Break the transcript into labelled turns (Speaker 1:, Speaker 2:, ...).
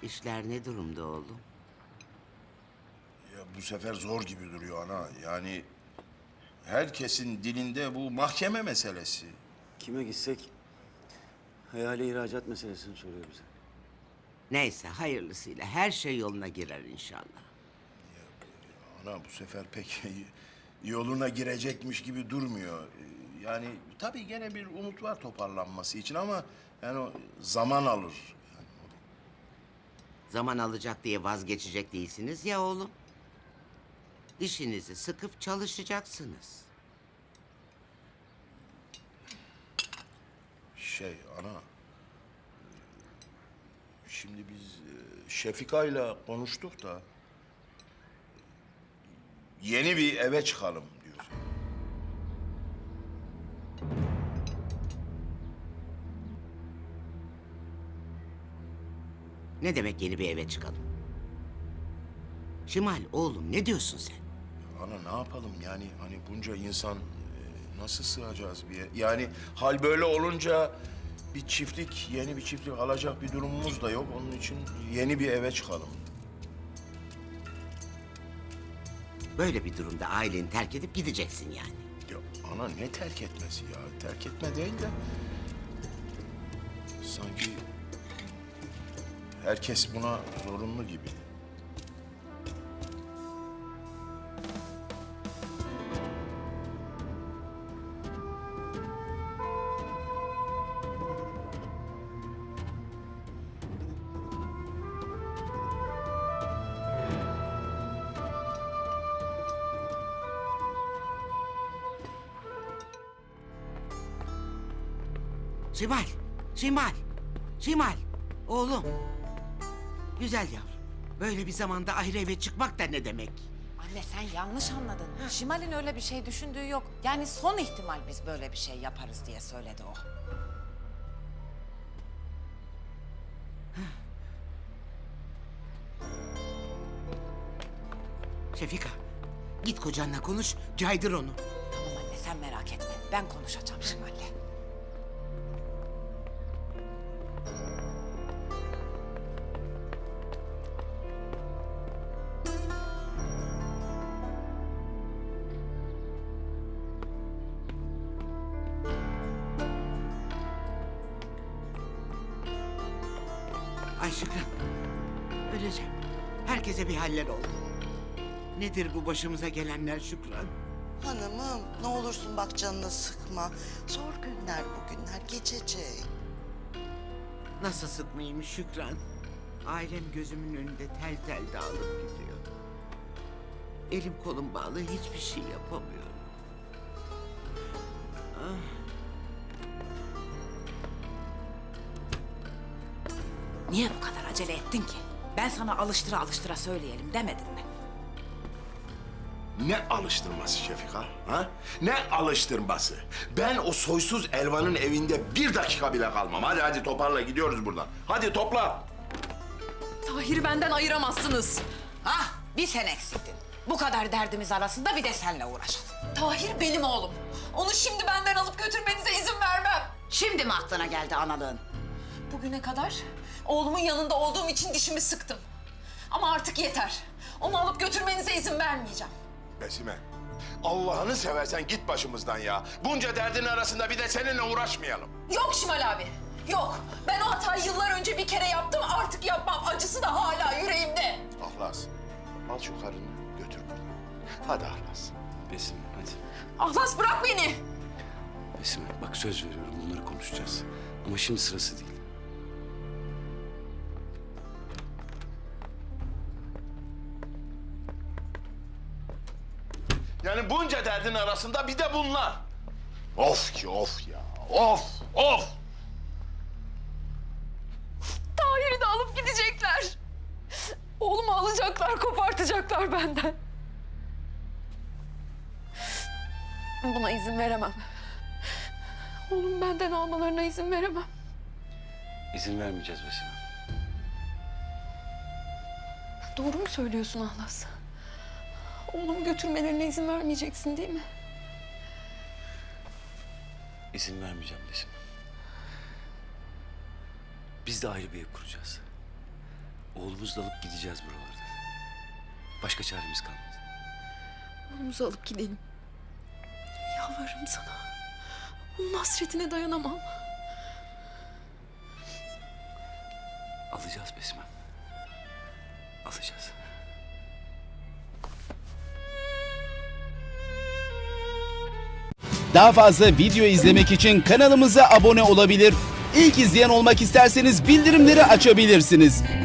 Speaker 1: İşler ne durumda oğlum?
Speaker 2: Ya bu sefer zor gibi duruyor ana. Yani herkesin dilinde bu mahkeme meselesi.
Speaker 3: Kime gitsek hayali ihracat meselesini soruyor bize.
Speaker 1: Neyse hayırlısıyla her şey yoluna girer inşallah.
Speaker 2: Ana bu sefer pek yoluna girecekmiş gibi durmuyor. Yani tabii gene bir umut var toparlanması için ama yani o zaman alır.
Speaker 1: Zaman alacak diye vazgeçecek değilsiniz ya oğlum. Dişinizi sıkıp çalışacaksınız.
Speaker 2: Ana, şimdi biz Şefika'yla konuştuk da yeni bir eve çıkalım diyoruz.
Speaker 1: Ne demek yeni bir eve çıkalım? Şimal oğlum ne diyorsun sen?
Speaker 2: Ana ne yapalım yani hani bunca insan nasıl sığacağız bir yer? Yani hal böyle olunca bir çiftlik, yeni bir çiftlik alacak bir durumumuz da yok. Onun için yeni bir eve çıkalım.
Speaker 1: Böyle bir durumda aileni terk edip gideceksin yani.
Speaker 2: Ya ana ne terk etmesi ya? Terk etme değil de sanki herkes buna zorunlu gibi.
Speaker 1: Şimal, Şimal, Şimal. Oğlum. Güzel yavrum. Böyle bir zamanda ayrı eve çıkmak da ne demek?
Speaker 4: Anne sen yanlış anladın. Şimal'in öyle bir şey düşündüğü yok. Yani son ihtimal biz böyle bir şey yaparız diye söyledi o.
Speaker 1: Şefika, git kocanla konuş, caydır onu.
Speaker 4: Tamam anne sen merak etme. Ben konuşacağım Şimal'le.
Speaker 1: Ay Şükran, öleceğim. Herkese bir haller oldu. Nedir bu başımıza gelenler Şükran?
Speaker 5: Hanımım ne olursun bak canını sıkma. Zor günler bugünler geçecek.
Speaker 1: Nasıl sıkmayayım Şükran? Ailem gözümün önünde tel tel dağılıp gidiyor. Elim kolum bağlı hiçbir şey yapamıyorum.
Speaker 4: Niye bu kadar acele ettin ki? Ben sana alıştıra alıştıra söyleyelim demedim mi?
Speaker 2: Ne alıştırması Şefika? Ha? Ne alıştırması? Ben o soysuz Elvan'ın evinde bir dakika bile kalmam. Hadi toparla gidiyoruz buradan. Hadi topla.
Speaker 6: Tahir'i benden ayıramazsınız.
Speaker 4: Ah bir sen eksiktin. Bu kadar derdimiz arasında bir de seninle uğraşalım.
Speaker 6: Tahir benim oğlum. Onu şimdi benden alıp götürmenize izin vermem.
Speaker 4: Şimdi mi aklına geldi analığın?
Speaker 6: Bugüne kadar oğlumun yanında olduğum için dişimi sıktım. Ama artık yeter. Onu alıp götürmenize izin vermeyeceğim.
Speaker 2: Besime, Allah'ını seversen git başımızdan ya. Bunca derdin arasında bir de seninle uğraşmayalım.
Speaker 6: Yok Şimal abi. Yok. Ben o hatayı yıllar önce bir kere yaptım. Artık yapmam. Acısı da hala yüreğimde.
Speaker 2: Ahlas, al şu karını götür buradan. Hadi Ahlas.
Speaker 3: Besim hadi.
Speaker 6: Ahlas bırak beni.
Speaker 3: Besim bak söz veriyorum bunları konuşacağız. Ama şimdi sırası değil.
Speaker 2: Yani bunca derdin arasında bir de bunlar. Of ki of ya, of, of.
Speaker 6: Tahir'i de alıp gidecekler. Oğlumu alacaklar, kopartacaklar benden. Buna izin veremem. Oğlumu benden almalarına izin veremem.
Speaker 3: İzin vermeyeceğiz Besim.
Speaker 6: Doğru mu söylüyorsun Ahlas? Oğlumu götürmelerine izin vermeyeceksin değil mi?
Speaker 3: İzin vermeyeceğim Besim. Biz de ayrı bir ev kuracağız. Oğlumuzu da alıp gideceğiz buralardan. Başka çaremiz kalmadı.
Speaker 6: Oğlumuzu alıp gidelim. Yalvarırım sana. Onun hasretine dayanamam.
Speaker 3: Alacağız Besim'im. Alacağız.
Speaker 7: Daha fazla video izlemek için kanalımıza abone olabilir. İlk izleyen olmak isterseniz bildirimleri açabilirsiniz.